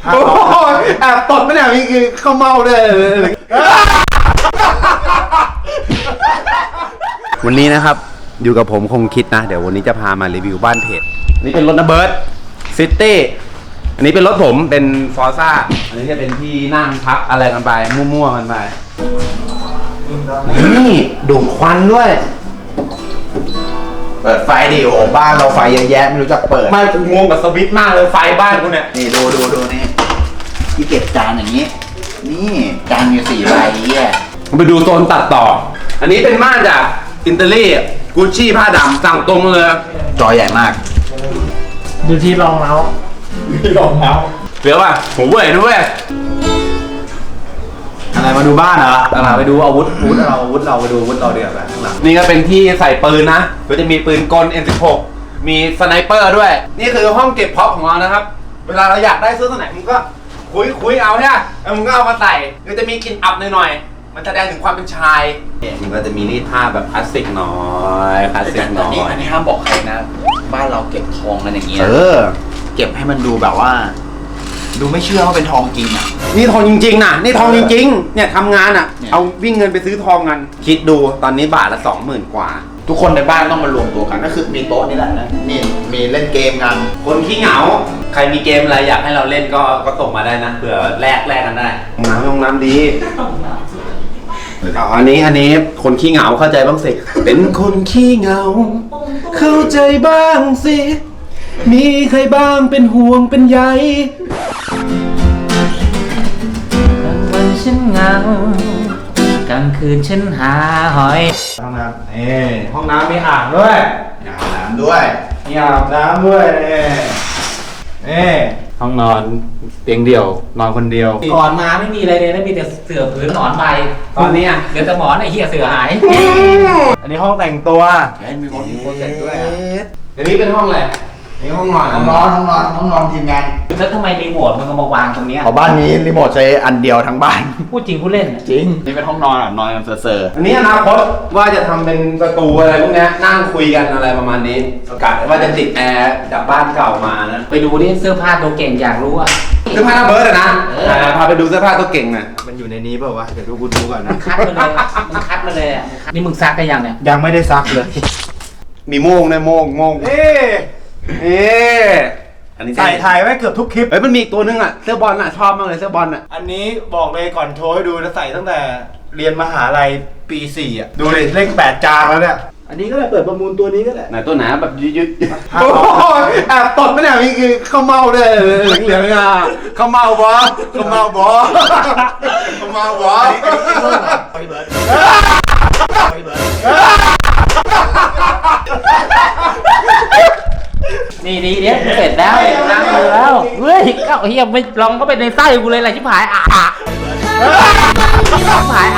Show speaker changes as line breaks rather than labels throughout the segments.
โอ้ยแอบตดไม่ได้นี่คือข้าวเมาเลยวันนี้นะครับอยู่กับผมคงคิดนะเดี๋ยววันนี้จะพามารีวิวบ้านเพจนี่เป็นรถนะเบิร์ดซิตี้อันนี้เป็นรถผมเป็นฟอร์ซ่าอันนี้จะเป็นที่นั่งพักอะไรกันไปมั่วๆกันไปนี่ดูดควันด้วยเปิดไฟดิโอบ้านเราไฟเยอะแยะไม่รู้จักเปิดไม่งงกับสวิตช์มากเลยไฟบ้านกูเนี่ย
นี่ดูนี่ที่เก็บจานอย่างนี้นี่จานอยู่4 ใบอ่ะ
ไปดูโซนตัดต่ออันนี้เป็นม่านจากอินเตอรี่กุชชี่ผ้าดำสั่งตรงเลย
จอใหญ่มาก
ดูที่รองเท้า
เดี๋ยวป่ะผมเว้ยนะเว้ย
อะไรมาดูบ้านเหรอ
ไปดูอาวุธเราไปดูอาวุธเราเดี๋ยวไปข้างหลังนี่ก็เป็นที่ใส่ปืนนะก็จะมีปืนกล M16 มีสไนเปอร์ด้วยนี่คือห้องเก็บพ็อปของเรานะครับเวลาเราอยากได้ซื้อตัวไหนมึงก็คุยเอาเนี่ยแล้วมึงก็เอามาใส่ก็จะมีกลิ่นอับหน่อยๆมันแสดงถึงความเป็นชายมันก็จะมีรีดผ้าแบบคลาสสิกหน่อยคลาสสิกหน่อย
อันนี้ห้ามบอกใครนะบ้านเราเก็บทองกันอย่างเงี้ยเก็บให้มันดูแบบว่าดูไม่เชื่อว่าเป็นทองจริงอ่ะ
นี่ทองจริงๆนะนี่ทองจริงๆเนี่ยทำงานอ่ะเอาวิ่งเงินไปซื้อทองกันคิดดูตอนนี้บาทละ 20,000 กว่า
ทุกคนในบ้านต้องมารวมตัวกันก็คือมีโต๊ะนี่แหละนะนี่มีเล่นเกมกัน
คนขี้เหงาใครมีเกมอะไรอยากให้เราเล่นก็ส่งมาได้นะเผื่อแลกกันได้ห้องน้ำดีอันนี้คนขี้เหงาเข้าใจบ้างสิเป็นคนขี้เหงาเข้าใจบ้างสิมีใครบ้างเป็นห่วงเป็นใย
กลางวันฉันเหงากลางคืนฉันหาหอย
ห้องน้ำห้องน้ำมีอ่างด้วย
อาบน้ำด้วย
มีอาบน้ำด้วยห้องนอนเตียงเดี่ยวนอนคนเดียว
ก่อนมาไม่มีอะไรเลยนะมีแต่เสื่อผืนหนอนใบ
ตอนนี้
เหลือแต่หมอนไอ้เหี้ยเสื่อหาย
อันนี้ห้องแต่งตัว
มีคนเสร็จด้วย
อันนี้เป็นห้องอะไรนี่ห้องนอน
ทีมงาน
แล้วทำไมรีโมทมันก็มาวางตรงนี้
บ้านนี้รีโมทใช้อันเดียวทั้งบ้าน
พูดจริงพูดเล่น
จริงนี่เป็นห้องนอนนอนกันเซอร์
อันนี้อนาคตว่าจะทำเป็นประตูอะไรพวกนี้นั่งคุยกันอะไรประมาณนี้ประกาศว่าจะติดแอร์จากบ้านเก่ามานะ
ไปดูดิเสื้อผ้าตัวเก่งอยากรู้อะ
เสื้อผ้าเบิร์ดนะพาไปดูเสื้อผ้าตัวเก่งนะมันอยู่ในนี้เปล่าวะเดี๋ยวกูดูก่อนนะ
คัดมาเลยอ่ะนี่มึงซักกันยังเนี่ย
ยังไม่ได้ซักเลยมีโม่งนะโม่งอันนี้
ใส่ถ่ายไว้เกือบทุกคลิป
มันมีอีกตัวนึงอ่ะเสื้อบอลอ่ะชอบมากเลยเสื้อบอลอ่ะ
อันนี้บอกเลยก่อนโชว์ให้ดูนะใส่ตั้งแต่เรียนมหาลัยปี 4อ่ะดูเลยเลข8จานแล้วเนี่ยอันนี้ก็ได้เปิดประมูลตัวนี้ก็ได้
ไหนตัวไหนแบบยืดโอ้ยแอบตดไม่ได้นี่คือข้าวเมาเลยเหลืองอ่ะข้าวเมาบอ
นี่ดีเนี่ยเสร็จแล้วนั่งดูแล้วเฮ้ยก็เฮียไม่ลองก็ไปในไส้กูเลยแหละชิบหายชิบหาย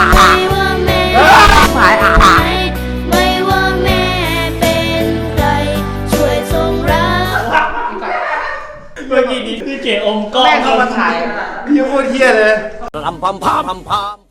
ไม่ว่าแม่เป็นใครช่วยส่งรัก
เมื่อกี้นี้คือเจอมก้อนแม่เข้ามาถ่าย
พี่โคตรเฮี้ยเลย
พาม